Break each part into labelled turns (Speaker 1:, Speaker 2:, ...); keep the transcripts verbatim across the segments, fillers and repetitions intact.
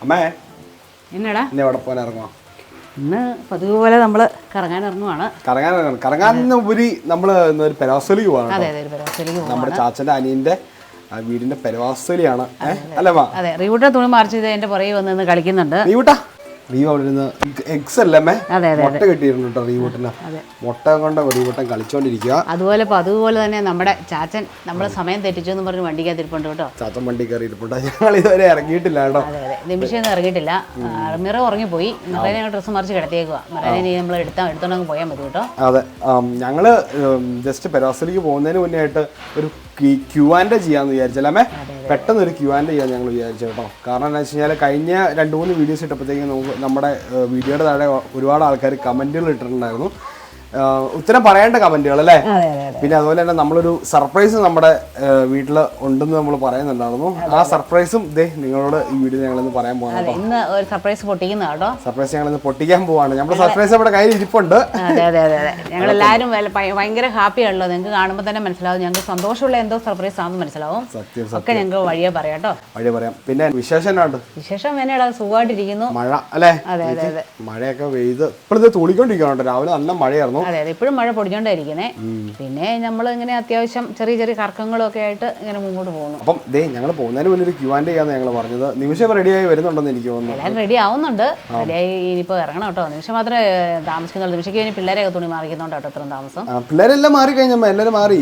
Speaker 1: അമ്മേ
Speaker 2: എന്നടാ
Speaker 1: ഇന്ന് എവിടെ പോകാൻ ഇറങ്ങുവാ?
Speaker 2: ഇന്ന് പതിവ് പോലെ നമ്മള് കറങ്ങാൻ ഇറങ്ങുവാണ്.
Speaker 1: കറങ്ങാൻ ഇറങ്ങണം. കറങ്ങാനുപരി നമ്മള് ഒരു പെരവാസലിക്ക് പോവാണ്.
Speaker 2: അതെ അതെ ഒരു പെരവാസലിക്ക് പോവാണ്.
Speaker 1: നമ്മുടെ ചാച്ചന്റെ അനിയന്റെ വീടിന്റെ പെരവാസലിയാണ്. അല്ലേ മാ?
Speaker 2: അതെ റീവൂട്ട തുണി മറിച്ച് എന്റെ പുറകെ വന്ന് കളിക്കുന്നുണ്ട്.
Speaker 1: റീവൂട്ടാ റീവ് അവിടെ ഇരുന്ന് എക്സ് അല്ലേ മുട്ട കിട്ടിയിരുന്നു കേട്ടോ റീവൂട്ടിന്. മുട്ട കൊണ്ട് റീവൂട്ടൻ കളിച്ചോണ്ടിരിക്കുക.
Speaker 2: അതുപോലെ അതുപോലെ തന്നെ നമ്മുടെ ചാച്ചൻ നമ്മളെ സമയം തെറ്റിച്ചു എന്ന് പറഞ്ഞ് വണ്ടിക്കകത്തിരിപ്പുണ്ട് കേട്ടോ.
Speaker 1: ചാച്ചൻ വണ്ടി കയറി ഇരിപ്പുണ്ട്. ഞങ്ങൾ ഇതുവരെ ഇറങ്ങിയിട്ടില്ല കേട്ടോ.
Speaker 2: അതെ അതെ നിമിഷം ഇറങ്ങിയിട്ടില്ല. മിറ ഉറങ്ങിപ്പോയി. മിറേനെ ഡ്രസ്സ് മറിച്ച് കിടത്തിയേക്കുക. മിറേനെ നമ്മൾ എടുത്താൽ എടുത്തോണ്ടങ്ങ് പോയാൽ മതി കേട്ടോ.
Speaker 1: അതെ ഞങ്ങള് ജസ്റ്റ് പെരവാസലിക്ക് പോകുന്നതിന് മുന്നേ ആയിട്ട് ഒരു ക്യൂ ആൻഡ് ചെയ്യാന്ന് വിചാരിച്ചല്ലേ പെട്ടെന്ന് ഒരു ക്യൂ ആൻഡ് ചെയ്യാൻ ഞങ്ങൾ വിചാരിച്ചു കേട്ടോ. കാരണം എന്താ വെച്ച് കഴിഞ്ഞാൽ കഴിഞ്ഞ രണ്ട് മൂന്ന് വീഡിയോസ് ഇട്ടപ്പോഴത്തേക്കും നമുക്ക് നമ്മുടെ വീഡിയോയുടെ താഴെ ഒരുപാട് ആൾക്കാർ കമന്റുകൾ ഇട്ടിട്ടുണ്ടായിരുന്നു. ഉത്തരം പറയേണ്ട കമന്റുകൾ അല്ലേ. പിന്നെ അതുപോലെ തന്നെ നമ്മളൊരു സർപ്രൈസ് നമ്മുടെ വീട്ടിൽ ഉണ്ടെന്ന് നമ്മൾ പറയുന്നുണ്ടായിരുന്നു. ആ സർപ്രൈസും ഇതേ നിങ്ങളോട് ഈ വീഡിയോ ഞങ്ങളിന്ന് പറയാൻ പോകാം.
Speaker 2: ഇന്ന് ഒരു സർപ്രൈസ് പൊട്ടിക്കുന്ന കേട്ടോ.
Speaker 1: സർപ്രൈസ് ഞങ്ങളിന്ന് പൊട്ടിക്കാൻ പോവാണ്. നമ്മുടെ സർപ്രൈസ് നമ്മുടെ കയ്യിൽ ഇരിപ്പുണ്ട്.
Speaker 2: അതെ അതെ അതെ അതെ ഞങ്ങൾ എല്ലാവരും ഭയങ്കര ഹാപ്പിയാണല്ലോ. നിങ്ങൾക്ക് കാണുമ്പോൾ തന്നെ മനസ്സിലാവും ഞങ്ങൾക്ക് സന്തോഷമുള്ള എന്തോ സർപ്രൈസ് ആണെന്ന് മനസ്സിലാവും.
Speaker 1: സത്യം
Speaker 2: ഒക്കെ ഞങ്ങൾക്ക് വഴിയെ പറയാം കേട്ടോ.
Speaker 1: വഴിയെ പറയാം. പിന്നെ വിശേഷം എന്നാണ്?
Speaker 2: വിശേഷം എന്നടാ സുഖമായിട്ടിരിക്കുന്നു.
Speaker 1: മഴ അല്ലേ?
Speaker 2: അതെ അതെ അതെ
Speaker 1: മഴയൊക്കെ പെയ്ത് ഇപ്പോഴത്തെ തുളിക്കൊണ്ടിരിക്കുകയാണ്. രാവിലെ നല്ല മഴയായിരുന്നു.
Speaker 2: അതെ അതെ ഇപ്പോഴും മഴ പൊടിച്ചോണ്ടിരിക്കുന്നേ. പിന്നെ നമ്മൾ ഇങ്ങനെ അത്യാവശ്യം ചെറിയ ചെറിയ കറക്കങ്ങളും ഒക്കെ ആയിട്ട് ഇങ്ങനെ മുമ്പോട്ട് പോകുന്നു.
Speaker 1: അപ്പം ദേ ഞങ്ങൾ പോകുന്നതിന് മുന്നേ ഒരു ക്യൂ ആൻഡ് ചെയ്യാന്ന് ഞങ്ങൾ പറഞ്ഞത്. നിമിഷം റെഡിയായി വരുന്നുണ്ടെന്ന് എനിക്ക് തോന്നുന്നു.
Speaker 2: എല്ലാം റെഡി ആവുന്നുണ്ട്. റെഡിയായി ഇനിയിപ്പോൾ ഇറങ്ങണം കേട്ടോ. നിമിഷം മാത്രമേ താമസിക്കുന്നുള്ളൂ. നിമിഷയ്ക്ക് ഇനി പിള്ളേരെയൊക്കെ തുണി മാറിക്കുന്നുണ്ടോ കേട്ടോ ഇത്രയും താമസം.
Speaker 1: പിള്ളേരെല്ലാം മാറി കഴിഞ്ഞമ്മ എല്ലാവരും മാറി.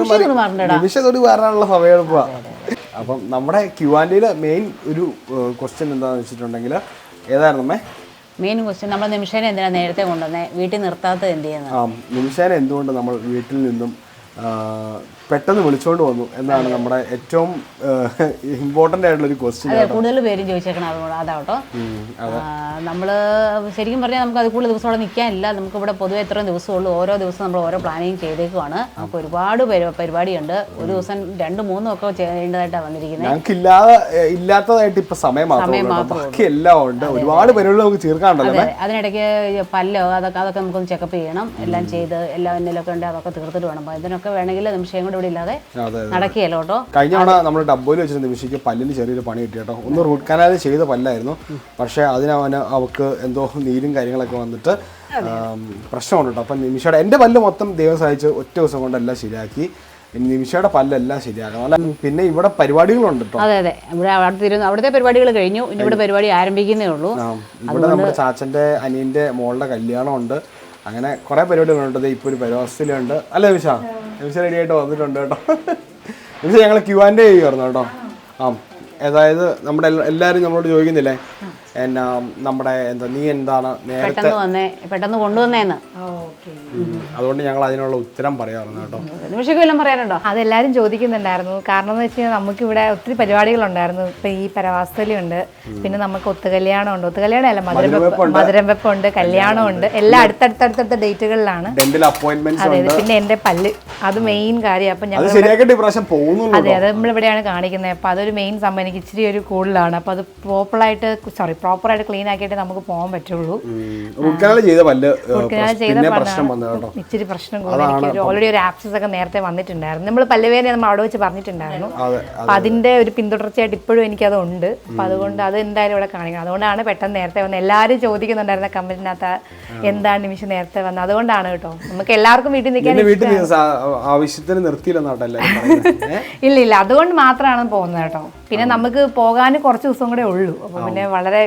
Speaker 1: നിമിഷം തൊടി മാറാനുള്ള സമയം എളുപ്പ. അപ്പം നമ്മുടെ ക്യൂ ആൻഡില് മെയിൻ ഒരു ക്വസ്റ്റ്യൻ എന്താണെന്ന് വെച്ചിട്ടുണ്ടെങ്കിൽ ഏതായിരുന്നു അമ്മേ?
Speaker 2: മെയിൻ ക്വസ്റ്റ്യൻ നമ്മൾ നിമിഷേനെ എന്തിനാ നേരത്തെ കൊണ്ടുവന്നേ വീട്ടിൽ നിർത്താത്തത് എന്ത് ചെയ്യുന്നത്?
Speaker 1: ആ നിമിഷേനെ എന്തുകൊണ്ട് നമ്മൾ വീട്ടിൽ നിന്നും പെട്ടെന്ന് വിളിച്ചോണ്ട് വന്നു എന്നാണ് നമ്മുടെ ഏറ്റവും ഇമ്പോർട്ടൻ്റ് ആയിട്ടുള്ള ഒരു ക്വസ്റ്റ്യൻ.
Speaker 2: അതെ കൂടുതൽ പേരും ചോദിച്ചേക്കണം അതുകൊണ്ട് അതാട്ടോ. നമ്മൾ ശരിക്കും പറഞ്ഞാൽ നമുക്ക് അത് കൂടുതൽ ദിവസം അവിടെ നിൽക്കാനില്ല. നമുക്ക് ഇവിടെ പൊതുവെ എത്രയും ദിവസമുള്ളൂ. ഓരോ ദിവസം നമ്മൾ ഓരോ പ്ലാനിങ് ചെയ്തേക്കുവാണ്. നമുക്ക് ഒരുപാട് പരിപാടിയുണ്ട്. ഒരു ദിവസം രണ്ട് മൂന്നും ഒക്കെ ചെയ്യേണ്ടതായിട്ടാണ് വന്നിരിക്കുന്നത്.
Speaker 1: ഞങ്ങൾക്ക് ഇല്ലാതെ ഇല്ലാത്തതായിട്ട് ഇപ്പൊ സമയം ബാക്കി എല്ലാം ഉണ്ട്. ഒരുപാട് പരിപാടികൾ നമുക്ക് തീർക്കാനുണ്ടല്ലോ.
Speaker 2: അതിനിടയ്ക്ക് പല്ലോ അതൊക്കെ അതൊക്കെ നമുക്കൊന്ന് ചെക്കപ്പ് ചെയ്യണം. എല്ലാം ചെയ്ത് എല്ലാം എന്തെങ്കിലുമൊക്കെ ഉണ്ട് അതൊക്കെ തീർത്തിട്ട് വേണം. അപ്പോൾ ഇതിനൊക്കെ വേണമെങ്കിൽ നിമിഷം കൂടെ ഇവിടെ ഇല്ലാതെ നടക്കുകയല്ലോ കേട്ടോ.
Speaker 1: കഴിഞ്ഞ തവണ നമ്മൾ ഡബ്ബോയിൽ വെച്ചിട്ട് നിമിഷയ്ക്ക് പല്ലിന് ചെറിയൊരു പണി കിട്ടി കേട്ടോ. ഒന്ന് റൂട്ട് കനാൽ ചെയ്ത പല്ലായിരുന്നു. പക്ഷെ അതിനവന് അവൾക്ക് എന്തോ നീരും കാര്യങ്ങളൊക്കെ വന്നിട്ട് പ്രശ്നമുണ്ട് കേട്ടോ. അപ്പം നിമിഷയുടെ എൻ്റെ പല്ല് മൊത്തം ദൈവം സഹായിച്ച് ഒറ്റ ദിവസം കൊണ്ടെല്ലാം ശരിയാക്കി. നിമിഷയുടെ പല്ലെല്ലാം ശരിയാക്കണം അല്ല. പിന്നെ ഇവിടെ പരിപാടികളുണ്ട് കേട്ടോ.
Speaker 2: അതെ അതെ ഇവിടെ അവിടെ അവിടുത്തെ പരിപാടികൾ കഴിഞ്ഞു. ഇനി ഇവിടെ പരിപാടി ആരംഭിക്കുന്നേ ഉള്ളൂ.
Speaker 1: ഇവിടെ നമ്മുടെ ചാച്ചന്റെ അനിയന്റെ മോളുടെ കല്യാണം ഉണ്ട്. അങ്ങനെ കുറെ പരിപാടികളുണ്ട്. ഇപ്പോൾ ഒരു പരിവാസത്തിലുണ്ട് അല്ലേ നിമിഷ? നിമിഷ റെഡി ആയിട്ട് വന്നിട്ടുണ്ട് കേട്ടോ. നിമിഷ ഞങ്ങൾ ക്യൂ ആൻഡ് ചെയ്യുമായിരുന്നു കേട്ടോ. ആ അതായത് നമ്മുടെ എല്ലാവരും നമ്മളോട് ചോദിക്കുന്നില്ലേ എന്നാ നമ്മുടെ എന്താ നീ എന്താണ് നേരത്തെ
Speaker 2: പെട്ടെന്ന് കൊണ്ടുവന്നേന്ന്.
Speaker 1: അതുകൊണ്ട് ഞങ്ങൾ അതിനുള്ള ഉത്തരം പറയാറുണ്ട് കേട്ടോ.
Speaker 2: നിമിഷയ്ക്ക് വല്ലതും പറയാനുണ്ടോ?
Speaker 3: അതെല്ലാവരും ചോദിക്കുന്നുണ്ടായിരുന്നു. കാരണം എന്ന് വെച്ച് കഴിഞ്ഞാൽ നമുക്കിവിടെ ഒത്തിരി പരിപാടികളുണ്ടായിരുന്നു. ഇപ്പം ഈ പരവാസലിയുണ്ട്, പിന്നെ നമുക്ക് ഒത്തുകല്യാണം ഉണ്ട്. ഒത്തുകല്യാണം അല്ല മധുരവെപ്പ് മധുരവെപ്പുണ്ട്, കല്യാണമുണ്ട്. എല്ലാം അടുത്തടുത്തടുത്ത ഡേറ്റുകളിലാണ്. അതെ പിന്നെ എൻ്റെ പല്ല് അത് മെയിൻ കാര്യം. അപ്പം ഞങ്ങൾ അതെ അത് നമ്മളിവിടെയാണ് കാണിക്കുന്നത്. അപ്പം അതൊരു മെയിൻ സംഭവം. എനിക്ക് ഇച്ചിരി ഒരു കൂടുതലാണ്. അപ്പം അത് പ്രോപ്പറായിട്ട് സോറി പ്രോപ്പറായിട്ട് ക്ലീൻ ആക്കിയിട്ട് നമുക്ക് പോകാൻ പറ്റുള്ളൂ. ഇച്ചിരി പ്രശ്നം കൂടുതൽ. ഓൾറെഡി ഒരു ആപ്സസ് ഒക്കെ നേരത്തെ വന്നിട്ടുണ്ടായിരുന്നു. നമ്മൾ പല്ലുവേദന നമ്മൾ അവിടെ വെച്ച് പറഞ്ഞിട്ടുണ്ടായിരുന്നു. അപ്പം അതിന്റെ ഒരു പിന്തുടർച്ചയായിട്ട് ഇപ്പോഴും എനിക്കത് ഉണ്ട്. അപ്പം അതുകൊണ്ട് അത് എന്തായാലും ഇവിടെ കാണിക്കണം. അതുകൊണ്ടാണ് പെട്ടെന്ന് നേരത്തെ വന്നത്. എല്ലാവരും ചോദിക്കുന്നുണ്ടായിരുന്ന കമന്റിനകത്ത് എന്താണ് നിമിഷം നേരത്തെ വന്നത്. അതുകൊണ്ടാണ് കേട്ടോ. നമുക്ക് എല്ലാവർക്കും വീട്ടിൽ നിൽക്കാൻ
Speaker 1: ആവശ്യത്തിന് നിർത്തിയില്ലെന്നാട്ടല്ലേ?
Speaker 3: ഇല്ല ഇല്ല അതുകൊണ്ട് മാത്രമാണ് പോകുന്നത് കേട്ടോ. പിന്നെ നമുക്ക് പോകാൻ കുറച്ച് ദിവസം കൂടെ ഉള്ളൂ. അപ്പൊ പിന്നെ വളരെ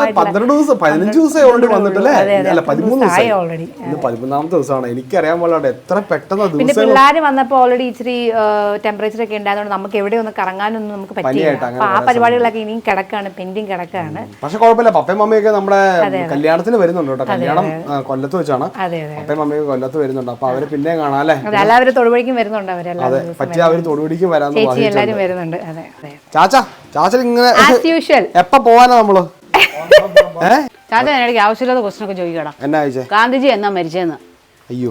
Speaker 1: എനിക്കറിയാൻ പാടില്ല എത്ര പെട്ടെന്ന്.
Speaker 3: പിന്നെ പിള്ളേർ വന്നപ്പോൾ ഓൾറെഡി ഇച്ചിരി ടെമ്പറേച്ചർ ഒക്കെ ഉണ്ടായതുകൊണ്ട് നമുക്ക് എവിടെ ഒന്ന് കറങ്ങാനൊന്നും നമുക്ക് പറ്റില്ല. അപ്പൊ ആ പരിപാടികളൊക്കെ ഇനിയും കിടക്കാണ്, പെൻഡിങ് കിടക്കാണ്.
Speaker 1: പക്ഷെ കുഴപ്പമില്ല. പപ്പയും മമ്മിയൊക്കെ നമ്മുടെ കല്യാണത്തിന് വരുന്നുണ്ട് കേട്ടോ. കല്യാണം കൊല്ലത്ത് വെച്ചാണ്. പപ്പയും മമ്മിയൊക്കെ കൊല്ലത്ത് വരുന്നുണ്ട്. അപ്പൊ അവര് പിന്നെ കാണാം അല്ലേ?
Speaker 3: എല്ലാവരും തൊടുപുഴയ്ക്കും വരുന്നുണ്ട്. അവരെല്ലാം
Speaker 1: പറ്റിയ അവര് തൊടുപുഴയ്ക്കും വരാൻ
Speaker 3: എല്ലാവരും വരുന്നുണ്ട്. അതെ
Speaker 1: ചാച്ച ചാച്ച ഇങ്ങനെ എപ്പ പോവാനാ നമ്മള്?
Speaker 2: ചാച്ച എനിക്ക് ആവശ്യമില്ലാത്ത ക്വസ്റ്റൻ ഒക്കെ ചോദിക്കണം.
Speaker 1: എന്നാ ചോദിച്ചേ?
Speaker 2: ഗാന്ധിജി എന്നാ മരിച്ചെന്ന്?
Speaker 1: അയ്യോ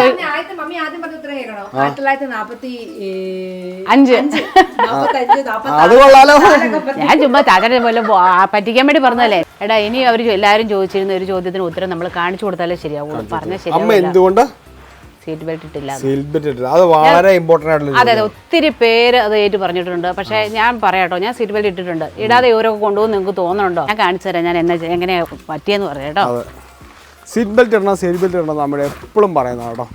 Speaker 2: അഞ്ച്
Speaker 1: അത് കൊള്ളാലോ.
Speaker 2: ഞാൻ ചുമ്മാ ചാച്ചനെ പോലെ പറ്റിക്കാൻ വേണ്ടി പറഞ്ഞല്ലേ. എടാ ഇനി അവര് എല്ലാരും ചോദിച്ചിരുന്ന ഒരു ചോദ്യത്തിന് ഉത്തരം നമ്മൾ കാണിച്ചു കൊടുത്താലേ ശരിയാവുള്ളൂ. പറഞ്ഞാൽ ശരി.
Speaker 1: എന്തുകൊണ്ട്
Speaker 2: സീറ്റ് ബെൽറ്റ് ഇട്ടില്ല.
Speaker 1: സീറ്റ് ബെൽറ്റ് ഇട്ടില്ല, അത് വളരെ ഇമ്പോർട്ടൻ്റ് ആയിട്ടുള്ള.
Speaker 2: അതെ അതെ, ഒത്തിരി പേര് അത് ഏറ്റു പറഞ്ഞിട്ടുണ്ട്. പക്ഷേ ഞാൻ പറയാട്ടോ, ഞാൻ സീറ്റ് ബെൽറ്റ് ഇട്ടിട്ടുണ്ട്. ഇടാതെ ഇവരൊക്കെ കൊണ്ടുപോകും നിങ്ങൾക്ക് തോന്നുന്നുണ്ടോ? ഞാൻ കാണിച്ചു തരാം ഞാൻ എന്നെ എങ്ങനെയാ പറ്റിയെന്ന് പറയാം കേട്ടോ.
Speaker 1: അതെ, സീറ്റ് ബെൽറ്റ് ഇടണം, സീറ്റ് ബെൽറ്റ് ഇടണം നമ്മൾ എപ്പോഴും പറയുന്നത് കേട്ടോ.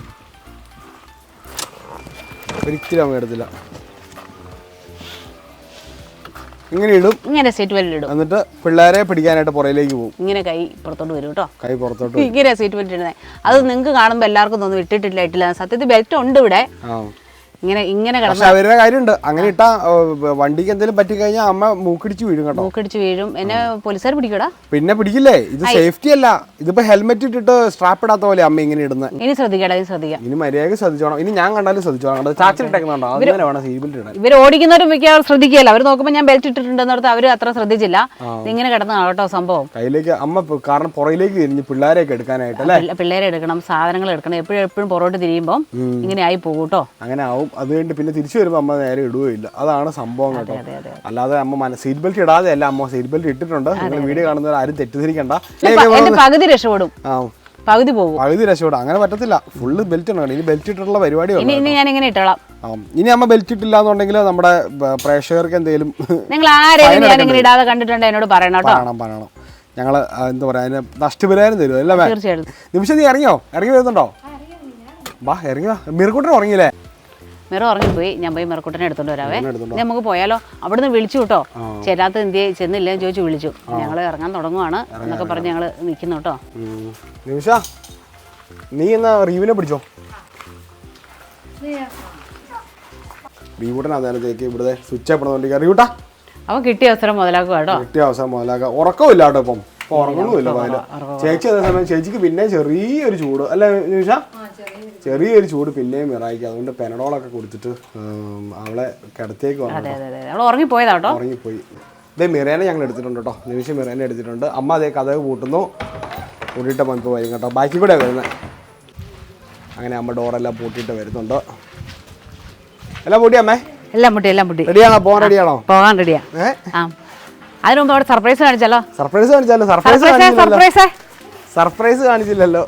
Speaker 1: ഒരിക്കലും അമ്മ എടുത്തില്ല. ഇങ്ങനെ ഇടും,
Speaker 2: ഇങ്ങനെ സീറ്റ് ബെൽറ്റ് ഇടും.
Speaker 1: എന്നിട്ട് പിള്ളേരെ പിടിക്കാനായിട്ട് പുറയിലേക്ക് പോകും.
Speaker 2: ഇങ്ങനെ കൈ പുറത്തോട്ട് വരും കേട്ടോ.
Speaker 1: കൈ പുറത്തോട്ട്
Speaker 2: ഇങ്ങനെ സീറ്റ് ബെൽറ്റ് ഇടുന്നത്. അത് നിങ്ങൾക്ക് കാണുമ്പോൾ എല്ലാവർക്കും തോന്നും ഇട്ടിട്ടില്ല ഇട്ടില്ല. സത്യത്തിൽ ബെൽറ്റ് ഉണ്ട് ഇവിടെ. ഇങ്ങനെ ഇങ്ങനെ
Speaker 1: പക്ഷെ അവരുടെ കാര്യമുണ്ട്. അങ്ങനെ ഇട്ടാ വണ്ടിക്ക് എന്തെങ്കിലും പറ്റിക്കഴിഞ്ഞാൽ അമ്മ മൂക്കിടിച്ച് വീഴും കേട്ടോ.
Speaker 2: മൂക്കിടിച്ച് വീഴും. എന്നെ പോലീസുകാർ പിടിക്കൂടാ.
Speaker 1: പിന്നെ പിടിക്കില്ലേ? ഇത് സേഫ്റ്റി അല്ല. ഇതിപ്പോ ഹെൽമെറ്റ് ഇട്ടിട്ട് സ്ട്രാപ്പ് ഇടാത്ത പോലെ അമ്മ ഇങ്ങനെ ഇടുന്നത്.
Speaker 2: ഇനി ശ്രദ്ധിക്കടാ, ഇനി ശ്രദ്ധിക്കാം.
Speaker 1: ഇനി മര്യാദ ശ്രദ്ധിച്ചോണം. ഇനി ഞാൻ കണ്ടാലും ശ്രദ്ധിച്ചോണം. ചാച്ചിലിട്ടേക്കുന്നുണ്ടോ? അങ്ങനെ വേണം സീറ്റ് ബെൽറ്റ് ഇടാൻ.
Speaker 2: ഇവർ ഓടിക്കുന്നവരും മിക്ക ശ്രദ്ധിക്കില്ല. അവർ നോക്കുമ്പോൾ ഞാൻ ബെൽറ്റ് ഇട്ടിട്ടുണ്ടെന്നോർത്ത് അവർ അത്ര ശ്രദ്ധിച്ചില്ല. ഇങ്ങനെ കിടന്നതാണ് കേട്ടോ സംഭവം.
Speaker 1: കയ്യിലേക്ക് അമ്മ കാരണം പുറയിലേക്ക് തിരിഞ്ഞ് പിള്ളേരെയൊക്കെ എടുക്കാനായിട്ട് അല്ലേ?
Speaker 2: പിള്ളേരെ എടുക്കണം, സാധനങ്ങൾ എടുക്കണം. എപ്പോഴും എപ്പോഴും പുറകോട്ട് തിരിയുമ്പോൾ ഇങ്ങനെ ആയി പോകും കേട്ടോ.
Speaker 1: അങ്ങനെ ആവും. അത് കഴിഞ്ഞ് പിന്നെ തിരിച്ചു വരുമ്പോൾ അമ്മ നേരെ ഇടുകയില്ല. അതാണ് സംഭവം കേട്ടോ. അല്ലാതെ അമ്മ സീറ്റ് ബെൽറ്റ് ഇടാതെ അല്ല, അമ്മ സീറ്റ് ബെൽറ്റ് ഇട്ടിട്ടുണ്ട്. നിങ്ങൾ വീഡിയോ കാണുന്നവർ ആരും തെറ്റിദ്ധരിക്കണ്ട.
Speaker 2: പകുതി രക്ഷപ്പെടും, പകുതി പോകും.
Speaker 1: പകുതി രക്ഷപ്പെടും. അങ്ങനെ പറ്റത്തില്ല. ഫുള്ള് ബെൽറ്റ് ആണ്. ഇനി ബെൽറ്റ് ഇട്ടിട്ടുള്ള പരിപാടിയാണ്.
Speaker 2: ഇനി ഞാൻ ഇങ്ങനെ ഇട്ടോളാം.
Speaker 1: ഇനി അമ്മ ബെൽറ്റ് ഇട്ടില്ല എന്നുണ്ടെങ്കിൽ നമ്മുടെ പ്രേക്ഷകർക്ക് എന്തെങ്കിലും
Speaker 2: നിങ്ങൾ ആരെയും ഞാൻ ഇങ്ങനെ ഇടാതെ കണ്ടിട്ടുണ്ട് എന്നോട് പറയണം കേട്ടോ.
Speaker 1: പറയണം പറയണം ഞങ്ങൾ എന്താ പറയാ, അതിന് നഷ്ടപരിഹാരം തരും അല്ലേ?
Speaker 2: തീർച്ചയായിട്ടും.
Speaker 1: നിമിഷം നീ ഇറങ്ങിയോ? ഇറങ്ങി വരുന്നുണ്ടോ? വാ ഇറങ്ങി വാ. മിറുക്കുട്ടൻ ഉറങ്ങിയില്ലേ?
Speaker 2: മിറ ഉറങ്ങിപ്പോയി. ഞാൻ പോയി മിറക്കുട്ടനെ എടുത്തോണ്ട് വരാവേ. നമുക്ക് പോയാലോ? അവിടുന്ന് വിളിച്ചു കേട്ടോ. ചേരാത്ത എന്തിയെ ചെന്നില്ല ചോദിച്ചു വിളിച്ചു. ഞങ്ങൾ ഇറങ്ങാൻ തുടങ്ങുവാണ് എന്നൊക്കെ പറഞ്ഞ് ഞങ്ങൾ നിൽക്കുന്നു കേട്ടോ.
Speaker 1: നിമിഷ നീ എന്നാ റീവിനെ പിടിച്ചോ. റീവൂട്ടനാന്നേരത്തേക്ക് ഇവിടുത്തെ സ്വിച്ച് ആയിപ്പെടുന്നോണ്ടിരിക്കുക. റീവൂട്ടാ
Speaker 2: അവൻ കിട്ടിയ അവസരം മുതലാക്കുക കേട്ടോ.
Speaker 1: കിട്ടിയ അവസരം മുതലാക്കുക. ഉറക്കമില്ല കേട്ടോ ഇപ്പം. ഇപ്പൊ ഉറങ്ങുന്നുമില്ല പകല്. ചേച്ചി അതേ സമയം ചേച്ചിക്ക് പിന്നെ ചെറിയൊരു ചൂട് അല്ലേ നിമിഷ? ചെറിയൊരു ചൂട് പിന്നെയും മിറായിക്ക്. അതുകൊണ്ട് പെനഡോളൊക്കെ കൊടുത്തിട്ട് അവളെ കിടത്തേക്ക് വന്നു.
Speaker 2: ഉറങ്ങിപ്പോയതാട്ടോ.
Speaker 1: ഉറങ്ങിപ്പോയി. ഇതേ മിറേനെ ഞങ്ങൾ എടുത്തിട്ടുണ്ട് കേട്ടോ. നിമിഷം മിറേനെ എടുത്തിട്ടുണ്ട്. അമ്മ അതേ കഥ കൂട്ടുന്നു. കൂട്ടിയിട്ട് ഇപ്പോൾ വരും കേട്ടോ. ബാക്കി കൂടെ വരുന്നത്. അങ്ങനെ അമ്മ ഡോറെല്ലാം പൂട്ടിയിട്ട് വരുന്നുണ്ട്. എല്ലാം പൂട്ടി അമ്മേ?
Speaker 2: എല്ലാം പൂട്ടി, എല്ലാം പൂട്ടി.
Speaker 1: റെഡിയാണോ? പോകാൻ റെഡിയാണോ?
Speaker 2: പോകാൻ റെഡിയാ. ആ അതിന് മുമ്പ് അവിടെ സർപ്രൈസ് കാണിച്ചാലോ?
Speaker 1: സർപ്രൈസ് കാണിച്ചാലോ? സർപ്രൈസ്
Speaker 2: സർപ്രൈസ്
Speaker 1: സർപ്രൈസ് കാണിച്ചില്ലല്ലോ.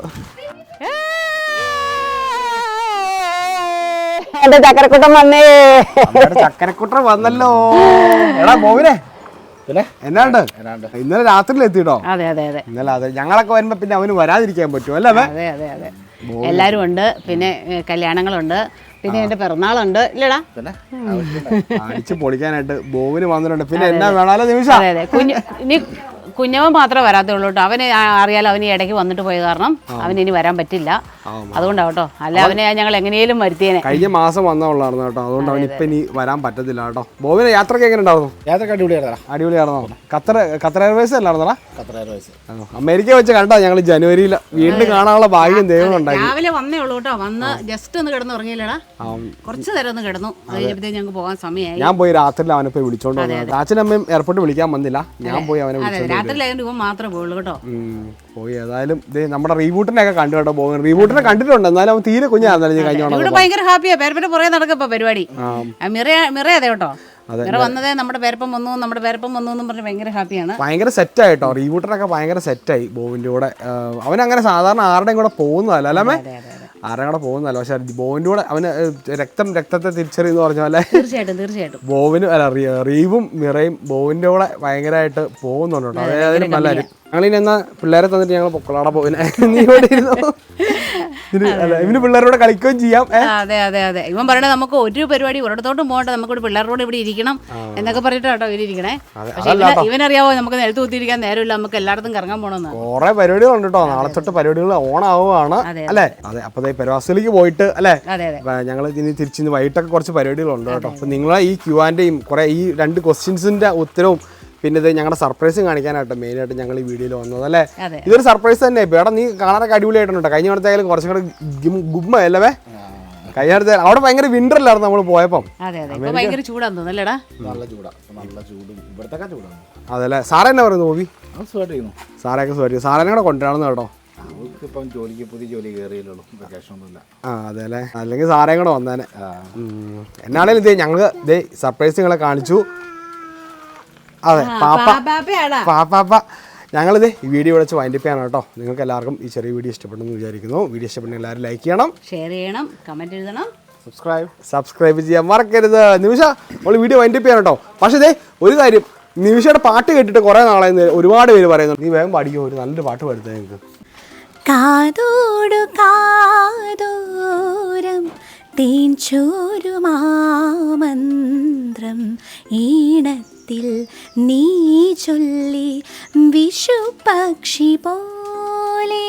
Speaker 2: എന്റെ ചക്കരക്കുട്ടൻ വന്നേ.
Speaker 1: ചക്കരക്കുട്ടൻ വന്നല്ലോ. എടാ മോവിനെ പിന്നെ എന്നാണ്ട് ഇന്നലെ രാത്രിയിൽ എത്തിട്ടോ?
Speaker 2: അതെ അതെ അതെ
Speaker 1: ഇന്നലെ അതെ. ഞങ്ങളൊക്കെ വരുമ്പോ പിന്നെ അവന് വരാതിരിക്കാൻ പറ്റും അല്ലേ?
Speaker 2: അതെ അതെ അതെ. എല്ലാരും ഉണ്ട്. പിന്നെ കല്യാണങ്ങളുണ്ട്. പിന്നെ എന്റെ പിറന്നാളുണ്ട് ഇല്ലടാ.
Speaker 1: അടിച്ച് പൊളിക്കാനായിട്ട് ബോവിന് വന്നിട്ടുണ്ട്. പിന്നെ എന്നാ വേണാലോ നിമിഷം.
Speaker 2: അതെ അതെ. കുഞ്ഞു ഇനി കുഞ്ഞവൻ മാത്രമേ വരാത്തുള്ളൂ കേട്ടോ. അവന് അറിയാലോ, അവന് ഇടയ്ക്ക് വന്നിട്ട് പോയ കാരണം അവന് ഇനി വരാൻ പറ്റില്ല. അതുകൊണ്ടാവട്ടോ. അല്ല അവനെ ഞങ്ങൾ എങ്ങനെയും വരുത്തിയേനെ.
Speaker 1: കഴിഞ്ഞ മാസം വന്നവളായിരുന്നു കേട്ടോ. അതുകൊണ്ട് അവൻ ഇപ്പൊ ഇനി വരാൻ പറ്റത്തില്ല കേട്ടോ. ബോവിന് യാത്രക്ക് എങ്ങനെ ഉണ്ടായിരുന്നു?
Speaker 4: യാത്രക്ക് അടിപൊളിയായിരുന്നോ?
Speaker 1: അടിപൊളിയായിരുന്നോ? ഖത്തർ ഖത്തർ എയർവേസ് അല്ലായിരുന്നോടാ?
Speaker 4: ഖത്തർ എയർവേസ്
Speaker 1: അമേരിക്ക വെച്ച് കണ്ടോ ഞങ്ങൾ ജനുവരിയിൽ. വീണ്ടും കാണാനുള്ള ഭാഗ്യം ദൈവം ഉണ്ടായി.
Speaker 2: രാവിലെ വന്നേ ഉള്ളൂ കേട്ടോ. വന്ന് ജസ്റ്റ് ഒന്ന് കിടന്ന് ഉറങ്ങിയില്ലടാ. കുറച്ച് നേരം ഒന്ന് കിടന്നു. അത് കഴിഞ്ഞപ്പോഴത്തേക്ക് ഞങ്ങൾക്ക് പോകാൻ സമയമായി.
Speaker 1: ഞാൻ പോയി രാത്രിയിൽ അവനെ പോയി വിളിച്ചോണ്ട് വന്നു. അച്ഛനമ്മയും എയർപോർട്ടിൽ വിളിക്കാൻ വന്നില്ല. ഞാൻ പോയി അവനെ വിളിച്ചോണ്ട്
Speaker 2: രാത്രിയിലായതുകൊണ്ട് ഇവൻ മാത്രമേ പോയുള്ളൂ കേട്ടോ.
Speaker 1: പോയി. ഏതായാലും നമ്മുടെ റീബൂട്ടിനെ ഒക്കെ കണ്ടു കേട്ടോ. പോകും റീബൂട്ടിനെ കണ്ടിട്ടുണ്ട്. എന്നാലും അവൻ തീരെ കുഞ്ഞായിരുന്നു കഴിഞ്ഞോളൂ.
Speaker 2: ഇവിടെ ഭയങ്കര ഹാപ്പിയാ. പേരപ്പന്റെ പുറകെ നടക്കപ്പോ പരിപാടി. മിറ മിറ അതെ കേട്ടോ. മിറ വന്നതേ നമ്മുടെ പേരപ്പം വന്നു, നമ്മുടെ പേരപ്പം വന്നു എന്നും പറഞ്ഞ് ഭയങ്കര ഹാപ്പിയാണ്.
Speaker 1: ഭയങ്കര സെറ്റായിട്ടോ. റീബൂട്ടനൊക്കെ ഭയങ്കര സെറ്റായി ബോവിന്റെ കൂടെ. അവനങ്ങനെ സാധാരണ ആരുടെയും കൂടെ പോകുന്നതല്ല അല്ലേ? ആരുടെ കൂടെ പോകുന്നതല്ല. പക്ഷെ ബോവിന്റെ കൂടെ അവന് രക്തം രക്തത്തെ തിരിച്ചറിയെന്ന് പറഞ്ഞ പോലെ
Speaker 2: തീർച്ചയായിട്ടും തീർച്ചയായിട്ടും
Speaker 1: ബോവിന് അല്ല റീവും മിറയും ബോവിന്റെ കൂടെ ഭയങ്കരമായിട്ട് പോകുന്നുണ്ട് കേട്ടോ. അതായത് നല്ലൊരു ഞങ്ങളിനി എന്നാ പിള്ളേരെ തന്നിട്ട് ഞങ്ങൾ പൊക്കളാടെ പോവിനെ. നീ ഇവിടെ ഇരുന്നു. ഇവന് പിള്ളേരോട് കളിക്കുകയും ചെയ്യാം.
Speaker 2: അതെ അതെ അതെ. ഇവൻ പറയണത് നമുക്ക് ഒരു പരിപാടി ഒരിടത്തോട്ടും പോകണ്ട, നമുക്കൊരു പിള്ളേരോട് ഇവിടെ ഇരിക്കണം എന്നൊക്കെ പറഞ്ഞിട്ട് കേട്ടോ ഇവരിക്കണേ. പക്ഷെ ഇവനറിയാവോ നമുക്ക് നിലത്ത് കുത്തിയിരിക്കാൻ നേരമില്ല, നമുക്ക് എല്ലായിടത്തും കറങ്ങാൻ പോകണമെന്ന്.
Speaker 1: കുറെ പരിപാടികളുണ്ട് കേട്ടോ. നാളെ തൊട്ട് പരിപാടികൾ ഓണാവുകയാണ് അല്ലേ? അതെ. അപ്പൊ പെരവാസത്തിലേക്ക് പോയിട്ട് അല്ലേ ഞങ്ങൾ ഇനി തിരിച്ച് വൈകിട്ടൊക്കെ കുറച്ച് പരിപാടികളുണ്ട് കേട്ടോ. അപ്പൊ നിങ്ങളെ ഈ ക്യൂ ആൻഡേയും കുറെ ഈ രണ്ട് ക്വസ്റ്റ്യൻസിന്റെ ഉത്തരവും പിന്നെ ഇത് ഞങ്ങളുടെ സർപ്രൈസും കാണിക്കാനായിട്ട് മെയിനായിട്ട് ഞങ്ങൾ ഈ വീഡിയോയിൽ വന്നത് അല്ലേ? ഇതൊരു സർപ്രൈസ് തന്നെ. ഇപ്പൊ ഇവിടെ നീ കാണാനൊക്കെ അടിപൊളിയായിട്ടുണ്ട്. കഴിഞ്ഞ അടുത്തായാലും കുറച്ചും കൂടെ ഗുമ്മ അല്ലേ? കഴിഞ്ഞ അടുത്ത അവിടെ ഭയങ്കര വിന്റർ അല്ലായിരുന്നു നമ്മൾ പോയപ്പം. അതല്ലേ? സാറേ എന്നാ പറയുന്നു ബോബി? സാറൊക്കെ സുഖമായിട്ട്. സാറേനെ കൂടെ കൊണ്ടുവരാണെന്ന് കേട്ടോ. ആ അതെ അല്ലേ? അല്ലെങ്കിൽ സാറേയും കൂടെ വന്നേനെ. എന്നാണേലും ഇതേ ഞങ്ങള് ഇതേ സർപ്രൈസ് നിങ്ങളെ കാണിച്ചു. അതെ പാപ്പ പാപ്പാപ്പ ഞങ്ങളിത് ഈ വീഡിയോ വിളിച്ച് വൈൻഡപ്പ് ചെയ്യണം കേട്ടോ. നിങ്ങൾക്ക് എല്ലാവർക്കും ഈ ചെറിയ വീഡിയോ ഇഷ്ടപ്പെട്ടെന്ന് വിചാരിക്കുന്നു. വീഡിയോ ഇഷ്ടപ്പെട്ടെങ്കിൽ എല്ലാവരും ലൈക്ക് ചെയ്യണം,
Speaker 2: ഷെയർ ചെയ്യണം, കമൻറ്റ് എഴുതണം,
Speaker 1: സബ്സ്ക്രൈബ് സബ്സ്ക്രൈബ് ചെയ്യാൻ മറക്കരുത്. നിമിഷ നമ്മൾ വീഡിയോ വൈൻഡപ്പ് ചെയ്യണം കേട്ടോ. പക്ഷേ ഇതേ ഒരു കാര്യം, നിമിഷയുടെ പാട്ട് കേട്ടിട്ട് കുറേ നാളായി ഒരുപാട് പേര് പറയുന്നു, നീ വേഗം പാടിക്കോ, ഒരു നല്ലൊരു പാട്ട് പാടുത്തേ നിങ്ങൾക്ക്.
Speaker 4: കാതോടു കാതോരം തേൻചോരുമാമന്ത്രം ഈണത്തിൽ നീ ചൊല്ലി വിഷു പക്ഷി പോലെ.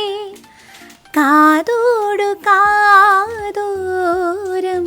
Speaker 4: കാതോടു കാതോരം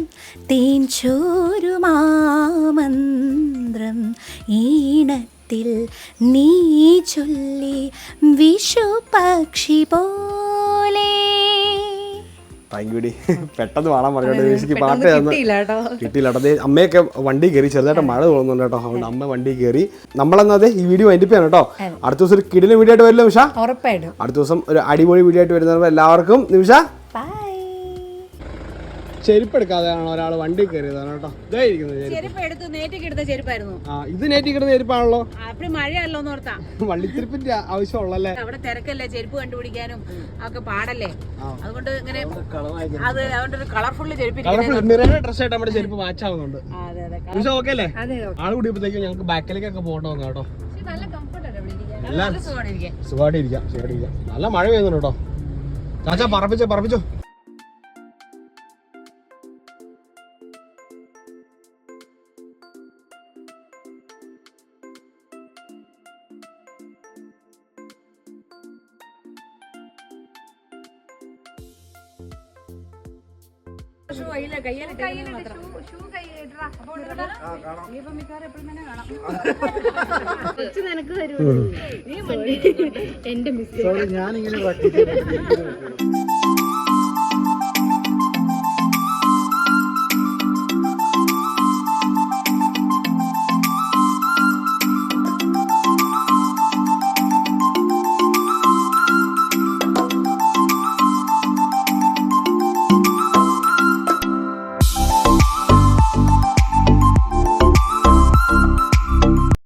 Speaker 4: തേൻചോരുമാമന്ത്രം ഈണത്തിൽ നീ ചൊല്ലി വിഷു പക്ഷി പോലെ.
Speaker 1: താങ്ക് യു ഡി. പെട്ടെന്ന് പാടാൻ പറഞ്ഞോട്ടെ, നിമിഷയ്ക്ക് പാട്ട് തന്ന്
Speaker 3: കിട്ടിയില്ല കേട്ടോ.
Speaker 1: കിട്ടിയില്ല കേട്ടോ. അതേ അമ്മയൊക്കെ വണ്ടി കയറി, ചെറുതായിട്ട് മഴ തോന്നുന്നുണ്ട് കേട്ടോ. അതുകൊണ്ട് അമ്മ വണ്ടി കയറി. നമ്മളെന്നാ ഈ വീഡിയോ വൈൻഡപ്പ് ചെയ്യണം കേട്ടോ. അടുത്ത ദിവസം ഒരു കിടിലൻ വീഡിയോ ആയിട്ട് വരില്ല നിമിഷ?
Speaker 3: ഉറപ്പായിട്ടും
Speaker 1: അടുത്ത ദിവസം ഒരു അടിപൊളി വീഡിയോ ആയിട്ട് വരുന്നവർ എല്ലാവർക്കും നിമിഷ
Speaker 3: ബൈ.
Speaker 1: ചെരുപ്പ് എടുക്കാതെയാണ് ഒരാൾ വണ്ടി കയറിയതാണ് കേട്ടോ. ഇതായിരിക്കുന്നത്
Speaker 2: ചെരുപ്പ് എടുത്ത് നേറ്റിക്ക് എടുത്ത ചെരുപ്പായിരുന്നു.
Speaker 1: ആ ഇത് നേറ്റി കിടന്ന ചെരുപ്പാണല്ലോ.
Speaker 2: അപ്പഴും മഴയല്ലോ എന്ന് ഓർത്താ.
Speaker 1: വള്ളിത്തിരിപ്പിന്റെ ആവശ്യമുള്ളല്ലേ?
Speaker 2: അവിടെ തിരക്കല്ലേ, ചെരുപ്പ് കണ്ടുപിടിക്കാനും ഒക്കെ പാടല്ലേ. അതുകൊണ്ട് ഇങ്ങനെ അത് അതുകൊണ്ട് ഒരു കളർഫുള്ള് ചെരുപ്പ്.
Speaker 1: നിറയെ ഡ്രസ് ആയിട്ട് നമ്മുടെ ചെരുപ്പ് മാച്ച് ആവുന്നുണ്ട്.
Speaker 2: അതെ അതെ.
Speaker 1: നിമിഷം ഓക്കെ അല്ലേ? ആള് കൂടിയപ്പോഴത്തേക്കും ഞങ്ങൾക്ക് ബാക്കിലേക്കൊക്കെ പോകേണ്ട വന്നു കേട്ടോ.
Speaker 2: നല്ല കംഫർട്ട് അല്ലേ ഇവിടെ ഇരിക്കാൻ.
Speaker 1: എല്ലാം
Speaker 2: നല്ല സുഖമാണ് ഇരിക്കാൻ.
Speaker 1: സുഖമായിട്ട് ഇരിക്കാം, സുഖമായിട്ട് ഇരിക്കാം. നല്ല മഴ പെയ്യുന്നുണ്ട് കേട്ടോ. ചാച്ചാ പറപ്പിച്ചോ പറപ്പിച്ചോ.
Speaker 3: എന്റെ മിസ്
Speaker 1: ഞാനിങ്ങനെ